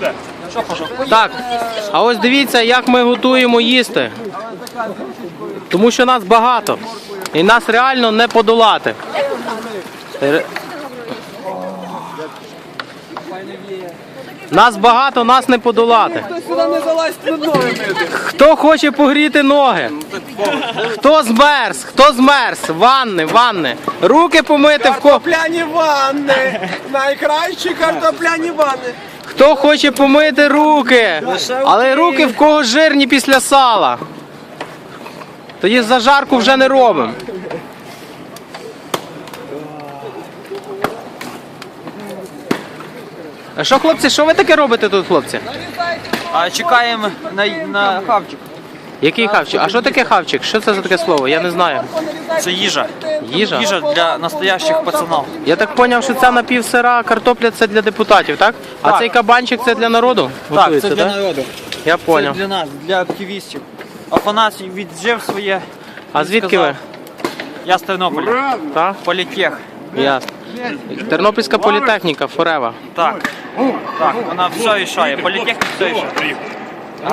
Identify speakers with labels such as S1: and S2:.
S1: Так, а ось дивіться, як ми готуємо їсти. Тому що нас багато. І нас реально не подолати. Нас багато, нас не подолати. Хто хоче погріти ноги? Хто змерз? Хто змерз? Ванни. Руки помити в кого.
S2: Картопляні ванни! Найкращі картопляні ванни!
S1: Хто хоче помити руки? Але руки в кого жирні після сала. Тоді зажарку вже не робимо. А що, хлопці, що ви таке робите тут, хлопці?
S3: Чекаємо на хавчик.
S1: Який хавчик? А що таке хавчик? Що це за таке слово? Я не знаю.
S3: Це їжа.
S1: Їжа?
S3: Їжа для настоящих пацанів.
S1: Я так зрозумів, що ця напівсира картопля це для депутатів, так? А
S3: Так.
S1: цей кабанчик це для народу?
S3: Так,
S1: Готується,
S3: це для
S1: так?
S3: народу.
S1: Я
S3: Це
S1: зрозумів.
S3: для нас, для активістів. Афанасій віджив своє.
S1: А
S3: Він
S1: звідки ви?
S3: сказав, Я з Тернополя.
S1: Так?
S3: Політех.
S1: Ясно. Тернопільська політехніка, Форева.
S3: Так. Так, вона все рішає. Політехнік все рішає.